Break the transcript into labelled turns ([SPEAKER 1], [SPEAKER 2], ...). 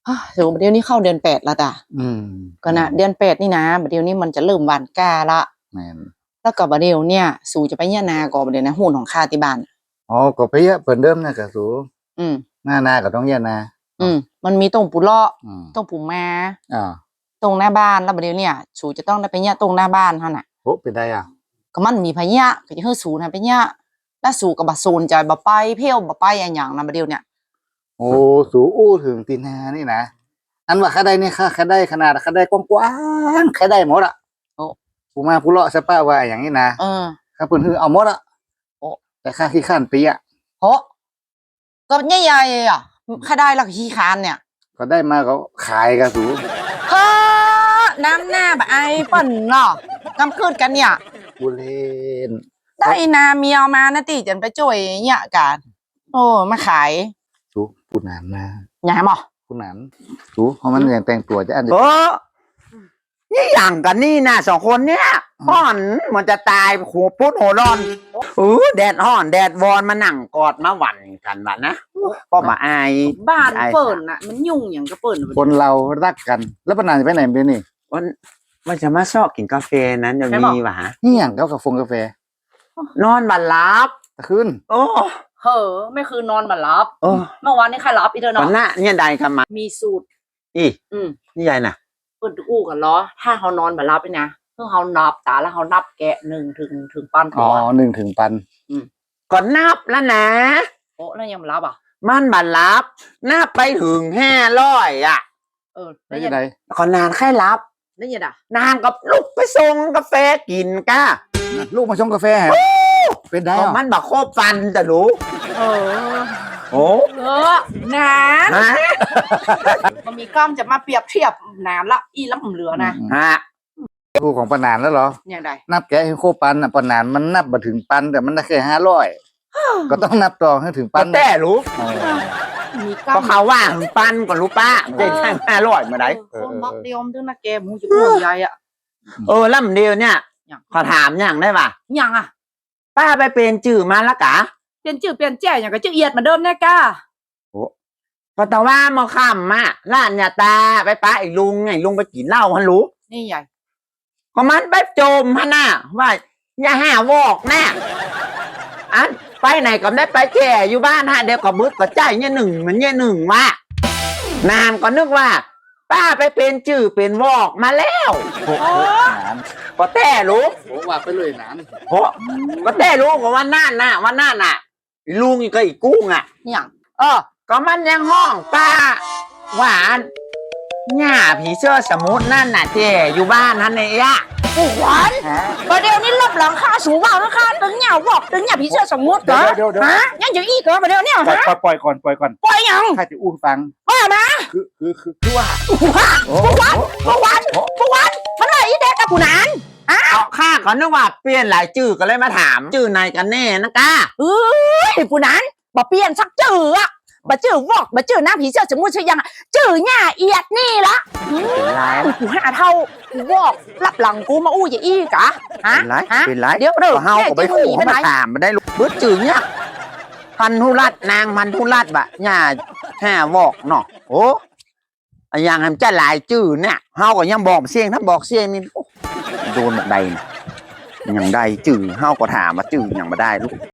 [SPEAKER 1] ถึงเดี๋ยวนี้เข้าเดือน8แล้วจ้ะก็นะเดือน8นี่นะเดี๋ยวนี้มันจะเริ่มหวานก้าละแล้วก็บัดเดี๋ยวเนี่ยสู่จะไปย่านาก็บัดเดี๋ยวนะหุ้นของข้าที่บ้าน
[SPEAKER 2] อ๋อก็ไปเยอะเปิ่นเดิมนะกะสูหน้านาก็ต้องย่านา
[SPEAKER 1] มันมีตรงปูเลาะตรงปูมาตรงหน้าบ้านแล้วบัดเดี๋ยวเนี่ยสู่จะต้องได้ไปย่าตรงหน้าบ้านเท่าน่ะ
[SPEAKER 2] โอ้เป็นได้อ่ะ
[SPEAKER 1] ก็มันมีพญะก็จะให้สู่นะไปย่าแล้วสู่กับบัดโซนใจบ่ไปเพี้ยวบ่ไปอย่างนะบัดเดี๋ยวเนี่ย
[SPEAKER 2] โอ้สู่อู้ถึงตีนานี่นะอันว่าข้าได้เนี่ยข้าได้ขนาดข้าได้กว้างๆข้าได้หมดอ่ะผู้มาผู้เลาะสป้าว่าอย่างนี้นะข้าเพิ่นคือเอาหมดอ่ะแต่ข้าขี้ข้านปีอ่ะ
[SPEAKER 1] โหก็ใหญ่ๆอ่ะข้าได้ละขี้คานเนี่ย
[SPEAKER 2] ก็ได้มาก็ขายกระสู
[SPEAKER 1] เฮ้อน้ำหน้าแบบไอ้ป่นเนาะกำคืนกันเนี่ย
[SPEAKER 2] บุเรน
[SPEAKER 1] ได้นาเมียมานะติจันไปจ่วยเนี่ยกันโอ้มาขาย
[SPEAKER 2] สูผู้นานนะ
[SPEAKER 1] อย่าให้หมอ
[SPEAKER 2] ผู้นานสูเพราะมันอย่างแต่งตัวจะอัน
[SPEAKER 3] นี้นี่อย่างกันนี่นะ2 คนเนี่ยห่อนมันจะตายหัวพุดหัวร้อนแดดห่อนแดดวอนมานั่งกอดมาหวันกันวะนะก็มาอาย
[SPEAKER 1] บ้านเปิ่นน่ะมันยุ่งอย่างก็เปิ่น
[SPEAKER 2] คนเรารักกันแล้วปนานจะไปไหนเป็นนี่
[SPEAKER 3] มันจะมาชอบกินกาแฟนั้นจะมีวะ
[SPEAKER 2] นี่อย่างก็กาแฟ
[SPEAKER 3] นอนบันลับ
[SPEAKER 2] คืน
[SPEAKER 1] โอ้เฮ้อไม่คือนอนบันลับเมื่อวานนี้ใครรับอีเธอเนาะ
[SPEAKER 3] วันน่ะเนี่ยใดกันมา
[SPEAKER 1] มีสูตร
[SPEAKER 3] นี่ใหญ่น่ะ
[SPEAKER 1] เปิดอู้กันล้อถ้าเขานอนบันลับไปนะเพื่อเขานับตาแล้วเขานับแกะ1 ถึงปัน
[SPEAKER 2] อ๋อ1 ถึงปัน
[SPEAKER 3] ก่อนนับแล้วนะ
[SPEAKER 1] โอ้แล้วยังบันลับอ่ะ
[SPEAKER 3] มันบันลับนับไปถึง500อ่ะ
[SPEAKER 1] ได้ยังไง
[SPEAKER 3] ก่อนนานแค่รับ
[SPEAKER 1] ได้ยังไง
[SPEAKER 3] นานกับลูกไปส่งกาแฟกินก้า
[SPEAKER 2] ลูกมาชงกาแฟเป็นได้
[SPEAKER 3] มันบักโคบฟันแต่รู้โอ้
[SPEAKER 1] น้ำมันมีกล้องจะมาเปรียบเทียบน้ำละอีล้ำเหลือนะ
[SPEAKER 2] คู่ของปนานแล้วเหรอ
[SPEAKER 1] อย่างไร
[SPEAKER 2] นับแกให้โคปันปนานมันนับมาถึงปันแต่มันได้แค่500ก็ต้องนับต่อให้ถึงปัน
[SPEAKER 3] แต่รู้ก็เขาว่าถึงปันก่อนรู้ป้าได้แค่500มาได้
[SPEAKER 1] บอกเดียวด้วยนะแกมึงจะพูดใหญ่อ่ะ
[SPEAKER 3] ล่ำเดียวเนี่ยขอถามอย่างได้ป่ะ
[SPEAKER 1] อย่างอ่ะ
[SPEAKER 3] ป้าไปเป็นจื่อมาแล้วกะ
[SPEAKER 1] เปลี่ยนจื่อเปลี่ยนแจ่อย่างกับจื่อเอียดเหมือนเดิมแน่ก้า
[SPEAKER 3] โอ้ก็แต่ว่ามาค่ำอ่ะร้านยาตาไปป้าไอ้ลุงไปกินเหล้าฮันรู้
[SPEAKER 1] นี่ใหญ่
[SPEAKER 3] ก็มันไปโจมฮะน่ะว่าอย่าหาวอกแน่อันไปไหนก็ได้ไปแก่อยู่บ้านฮะเดี๋ยวก็บึกก็ใจเนี่ย1เหมือนเนี่ย1ว่านานก็นึกว่าป้าไปเป็นจื่อเป็นวอกมาแล้วก็แต่รู้
[SPEAKER 2] ว่าไปเลยนาน
[SPEAKER 3] ก็แต่รู้ว่าวันนั่นน่ะลุงอีกก็อีกกุ้งอ่ะ
[SPEAKER 1] อย่าง
[SPEAKER 3] ก็มันยังห้องป้าหวานหน้าผีเสื้อสมุทรนั่นน่ะเจอยู่บ้านนั่นเนี่ย
[SPEAKER 1] หวานประเดี๋ยวนี้รับหลังค่าสูงว่าค่าตึงเนี่ยบอกตึงเนี่ยผีเสื้อสมุทรเหรอยังจะอีกเหรอประเดี๋ยวเนี่ย
[SPEAKER 2] ปล่อยก่อนปล่
[SPEAKER 1] อยยัง
[SPEAKER 2] ข้าจะอู้ฟัง
[SPEAKER 1] มา
[SPEAKER 2] คือว่า
[SPEAKER 1] มันอะไรเด็กกับผู้นั้น
[SPEAKER 3] ข้าก็นึกว่าเปลี่ยนหลายจื่อก็เลยมาถามจื่อไหนกันแน่นะก้า
[SPEAKER 1] ผู้นั้นบ่เปลี่ยนสักจื่ออะบ่จื่อวอกบ่จื่อหน้าผีเสื้อสมุทรใช่ยังจื่อหน้าเอียดนี่ละกูหาเท่ากูวอกรับหลังกูมาอู้อย่าอี้กะ
[SPEAKER 3] เป็นไรเดี๋ยวเฮาก็ไปขู่เขามาถามมาได้ลูกบึ้ดจื่อเนี่ยพันธุรัตนางพันธุรัตบะหน้า5วอกเนาะโอ้อย่างนั้นจะหลายจื่อเนี่ยเฮาก็ยังบอกเสียงถ้าบอกเสียงนี่โดนแบบใดอย่างใดจื่อเฮาก็ถามมาจื่ออย่างมาได้ลูก